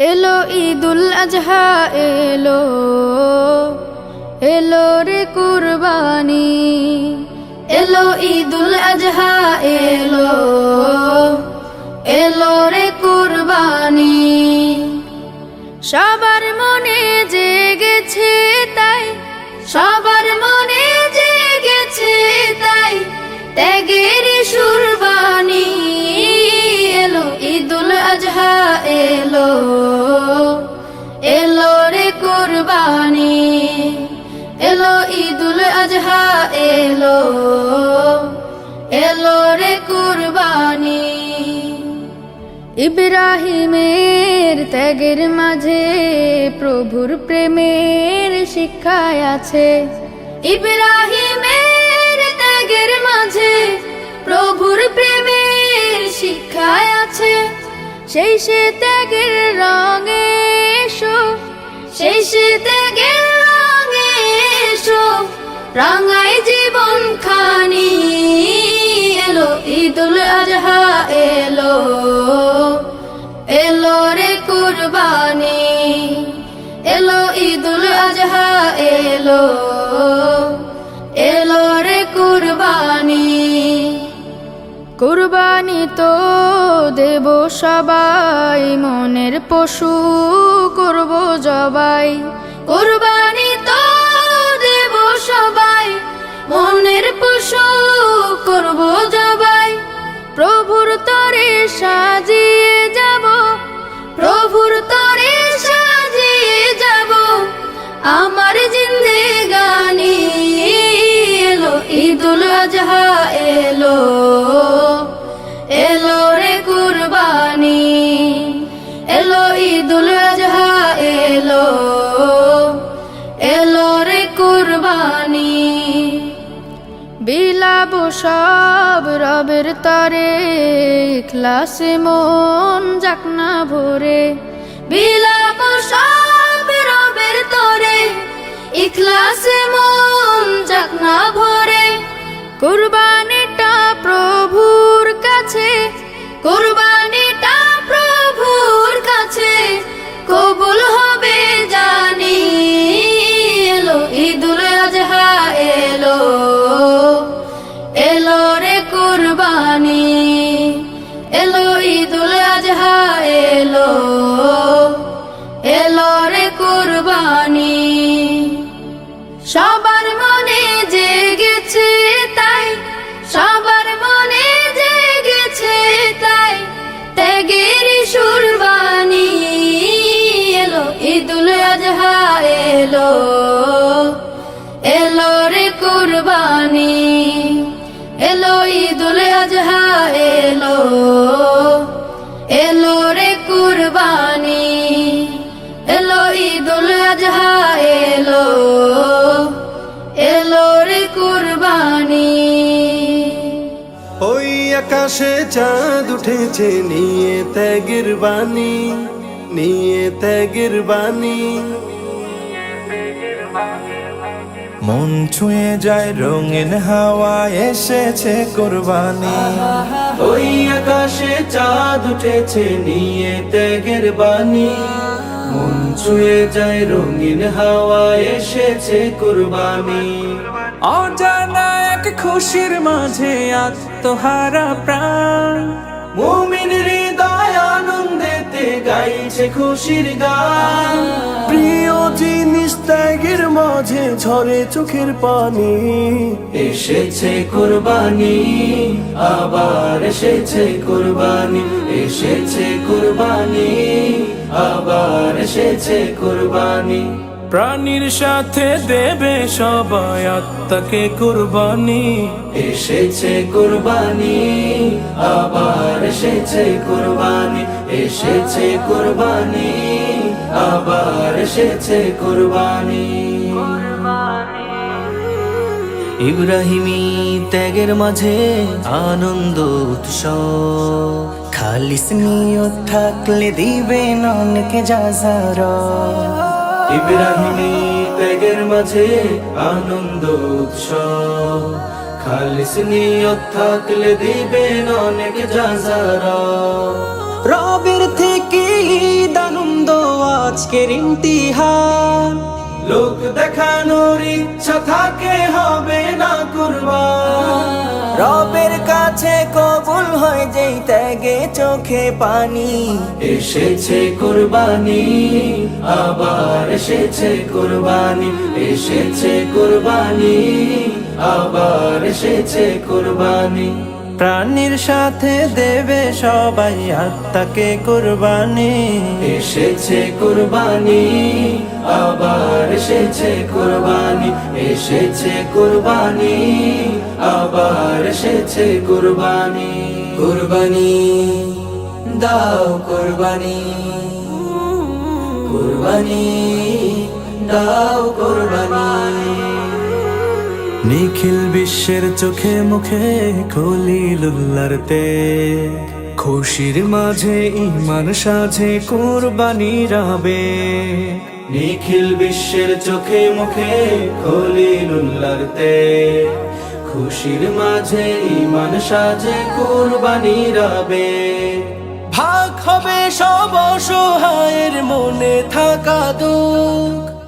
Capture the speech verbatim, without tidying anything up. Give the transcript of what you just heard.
এলো ঈদুল আজহা এলো, এলো রে কুরবানি। এলো ঈদুল আজহা এলো, এলো রে কুরবানি। সবার মনে জেগেছে তাই, সবার মনে জেগেছে তাই ত্যাগের সুরবানি। এলো ঈদুল আজহা এলো, এলো রে কুরবানি। এলো ঈদুল আজহা এলো, এলো রে কুরবানি। ইব্রাহিমের ত্যাগের মাঝে প্রভুর প্রেমের শিক্ষায় আছে। ইব্রাহিমের ত্যাগের মাঝে প্রভুর প্রেমের শিক্ষায় আছে। সেই সে ত্যাগের রঙে এসো, সেই সে ত্যাগের রঙে এসো, রাঙায় জীবন খানি। এলো ঈদুল আজহা এলো, এলো রে কুরবানি। এলো ঈদুল আজহা এলো, এলো রে কুরবানি। কুরবানি তো দেব সবাই, মনের পশু করব জবাই। কুরবানি তো দেব সবাই, মনের পশু করব জবাই। প্রভুর তরে সাজিয়ে যাব, প্রভুর তরে সাজিয়ে যাব আমার জিন্দেগানি। এলো ঈদুল আজহা এলো, এলো রে কুরবানি। এলো ঈদুল আজহা এলো, এলো রে কুরবানি। বিলাব সব রবের তরে, ইখলাসে মন যাক না ভরে। বিলাব সব রবের তরে, ইখলাসে মন যাক না ভরে। কুরবানিটা প্রভুর কাছে, কুরবানিটা প্রভুর কাছে কবুল হবে জানি। এলো ঈদুল আজহা এলো, এলো রে কুরবানি। এলো ঈদুল আজহা এলো, এলো রে কুরবানি। সবার মনে জেগেছে তাই, সবার মনে জেগেছে তাই ত্যাগের সুরবানি। এলো ঈদুল আজহা এলো, এলো রে কুরবানি। এলো ঈদুল আজহা এলো, এলো রে কুরবানি। এলো ঈদুল আজহা এলো, এলো রে কুরবানি। ওই আকাশে চাঁদ উঠেছে নিয়ে ত্যাগের বাণী, নিয়ে ত্যাগের বাণী। মন ছুঁয়ে যায় রঙিন হাওয়া, এসেছে কুরবানি। ওই আকাশে চাঁদ উঠেছে নিয়ে ত্যাগের বাণী। মন ছুঁয়ে যায় রঙিন হাওয়া, এসেছে কুরবানি। অজানা এক খুশির মাঝে আত্মহারা প্রাণ, মুমিন হৃদয় আনন্দেতে গাইছে খুশির গান। প্রিয় জিনিস ত্যাগের মাঝে ঝরে চোখের পানি। এসেছে কুরবানি, আবার এসেছে কুরবানি। এসেছে কুরবানি, আবার এসেছে কুরবানি। প্রাণীর সাথে দেবে সবাই আত্মাকে কুরবানি। এসেছে কুরবানি, আবার এসেছে কুরবানি। এসেছে কুরবানি, আবার এসেছে কুরবানি। ইব্রাহিমী ত্যাগের মাঝে আনন্দ উৎসব, খালিস নিয়ত থাকলে দিবেন অনেক যাজারা। ইব্রাহিমী ত্যাগের মাঝে আনন্দ উৎসব, খালিস নিয়ত থাকলে দিবেন অনেক যাজারা। রবের থেকে ঈদ আনন্দ আজকের ইমতিহান। লোক দেখানোর ইচ্ছা থাকে হবে না কুরবান। রবের কাছে কবুল হয় যেই ত্যাগে চোখে পানি। এসেছে কুরবানি, আবার এসেছে কুরবানি, এসেছে কুরবানি, আবার এসেছে কুরবানি। প্রাণীর সাথে দেবে সবাই আত্মাকে কুরবানি। এসেছে কুরবানি, আবার এসেছে কুরবানি, এসেছে কুরবানি, আবার এসেছে কুরবানি। কুরবানি দাও কুরবানি, কুরবানি দাও কুরবানি। নিখিল বিশ্বের চোখে মুখে খলিলুল্লাহর তেজ, খুশির মাঝে ঈমান সাজে কুরবানির আবেগ। নিখিল বিশ্বের চোখে মুখে খলিলুল্লাহর তেজ, খুশির মাঝে ঈমান সাজে কুরবানির আবেগ। ভাগ হবে সব অসহায়ের মনে থাকা দুঃখ,